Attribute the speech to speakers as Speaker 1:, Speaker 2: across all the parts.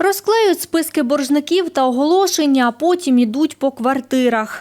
Speaker 1: Розклеюють списки боржників та оголошення, а потім йдуть по квартирах.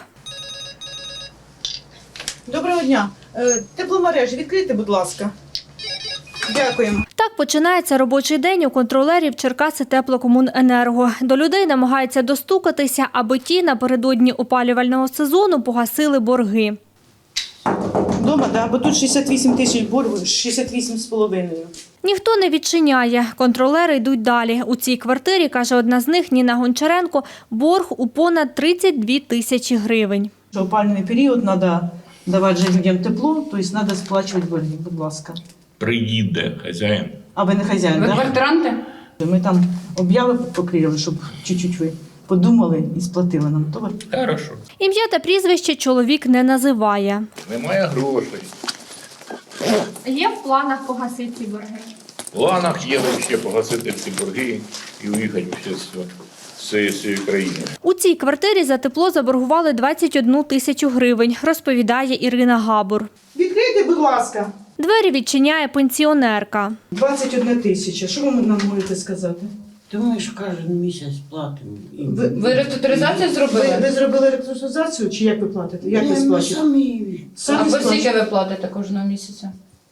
Speaker 2: Доброго дня. Тепломережі відкрийте, будь ласка. Дякуємо.
Speaker 1: Так починається робочий день у контролерів Черкаситеплокомуненерго. До людей намагаються достукатися, аби ті напередодні опалювального сезону погасили борги.
Speaker 2: Дома, так, бо тут 68 тисяч боргу, 68,5.
Speaker 1: Ніхто не відчиняє. Контролери йдуть далі. У цій квартирі, каже одна з них, Ніна Гончаренко, борг у понад 32 тисячі гривень.
Speaker 2: В опалювальний період треба давати же людям тепло, тобто треба сплачувати борги, будь ласка.
Speaker 3: Приїде хазяїн.
Speaker 2: А ви не хазяїн,
Speaker 4: Ви
Speaker 2: так?
Speaker 4: квартиранти?
Speaker 2: Ми там об'яви покрили, щоб чуть-чуть ви подумали і сплатили нам. Добре?
Speaker 3: Хорошо.
Speaker 1: Ім'я та прізвище чоловік не називає.
Speaker 3: Немає грошей.
Speaker 1: Є в планах погасити ці борги?
Speaker 3: В планах є ще погасити всі борги і уїхати з цієї країни.
Speaker 1: У цій квартирі за тепло заборгували 21 тисячу гривень, розповідає Ірина Габур.
Speaker 2: Відкрийте, будь ласка.
Speaker 1: Двері відчиняє пенсіонерка.
Speaker 2: 21 тисяча. Що ви нам можете сказати?
Speaker 5: Та ми ж кожен місяць платимо.
Speaker 4: Ви реструктуризацію зробили?
Speaker 2: Ви зробили реструктуризацію чи як ви платите? Як ви
Speaker 5: Ми
Speaker 2: сплачуєте?
Speaker 5: самі
Speaker 4: А по
Speaker 2: сплачуєте?
Speaker 4: скільки ви платите кожного місяця?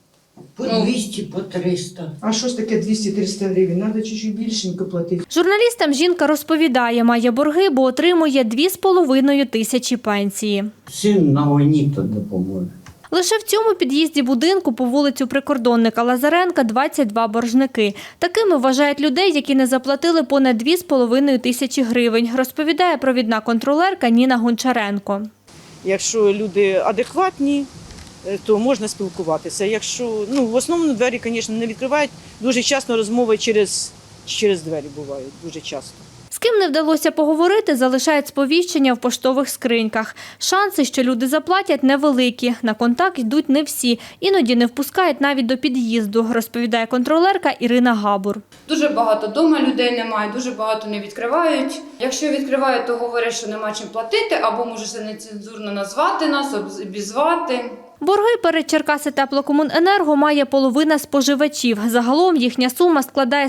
Speaker 5: по 200, по 300.
Speaker 2: А що ж таке 200-300 гривень? Треба чуть-чуть більшенько платити.
Speaker 1: Журналістам жінка розповідає, має борги, бо отримує 2,5 тисячі пенсії.
Speaker 5: Син на війні то допоможе.
Speaker 1: Лише в цьому під'їзді будинку по вулицю Прикордонника Лазаренка 22 боржники. Такими вважають людей, які не заплатили понад 2,5 тисячі гривень, розповідає провідна контролерка Ніна Гончаренко.
Speaker 2: Якщо люди адекватні, то можна спілкуватися. Якщо, в основному двері, звісно, не відкривають. Дуже часто розмови через двері бувають, дуже часто.
Speaker 1: З ким не вдалося поговорити, залишають сповіщення в поштових скриньках. Шанси, що люди заплатять, невеликі. На контакт йдуть не всі. Іноді не впускають навіть до під'їзду, розповідає контролерка Ірина Габур.
Speaker 4: Дуже багато вдома людей немає, дуже багато не відкривають. Якщо відкривають, то говорять, що нема чим платити, або може це нецензурно назвати нас, обізвати.
Speaker 1: Борги перед Черкаситеплокомуненерго має половина споживачів. Загалом їхня сума складає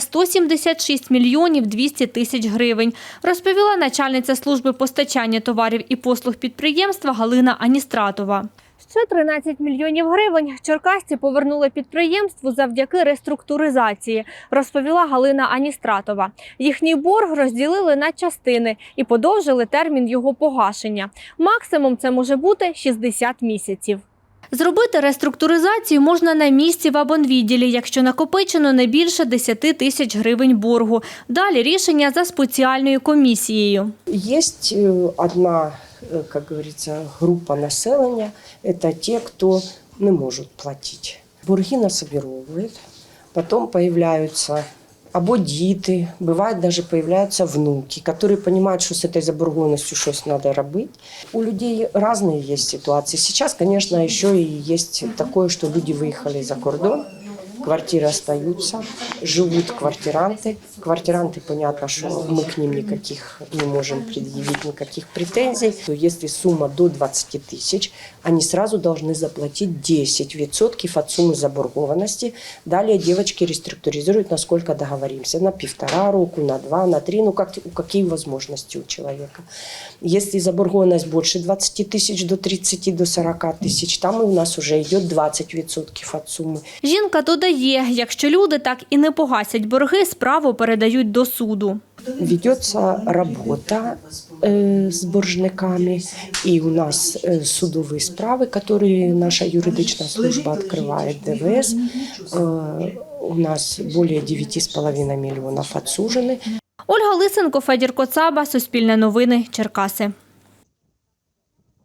Speaker 1: 176 мільйонів 200 тисяч гривень, розповіла начальниця служби постачання товарів і послуг підприємства Галина Аністратова. Ще 13 мільйонів гривень черкасці повернули підприємству завдяки реструктуризації, розповіла Галина Аністратова. Їхній борг розділили на частини і подовжили термін його погашення. Максимум це може бути 60 місяців. Зробити реструктуризацію можна на місці в абонвідділі, якщо накопичено не більше 10 тисяч гривень боргу. Далі рішення за спеціальною комісією.
Speaker 6: Есть одна, как говорится, группа населения, это те, кто не может платить. Борги насобировывают, потом появляются або діти, бывает даже появляются внуки, которые понимают, что с этой заборгованностью что-то надо робить. У людей разные есть ситуации. Сейчас, конечно, еще и есть такое, что люди выехали за кордон, квартиры остаются, живут квартиранты. Квартиранты, понятно, что мы к ним никаких не можем предъявить, никаких претензий. То если сумма до 20 тысяч, они сразу должны заплатить 10% от суммы заборгованности. Далее девочки реструктуризируют, насколько договоримся, на 1,5 року, на 2, на 3, какие возможности у человека. Если заборгованность больше 20 тысяч, до 30, до 40 тысяч, там у нас уже идет 20% от суммы.
Speaker 1: Жінка додає, якщо люди так і не погасять борги, справу передають до суду.
Speaker 6: Ведется работа с боржниками, и у нас судовые справы, которые наша юридичная служба открывает, ДВС. У нас более 9,5 миллионов отсужены.
Speaker 1: Ольга Лисенко, Федір Коцаба, Суспільне новини, Черкаси.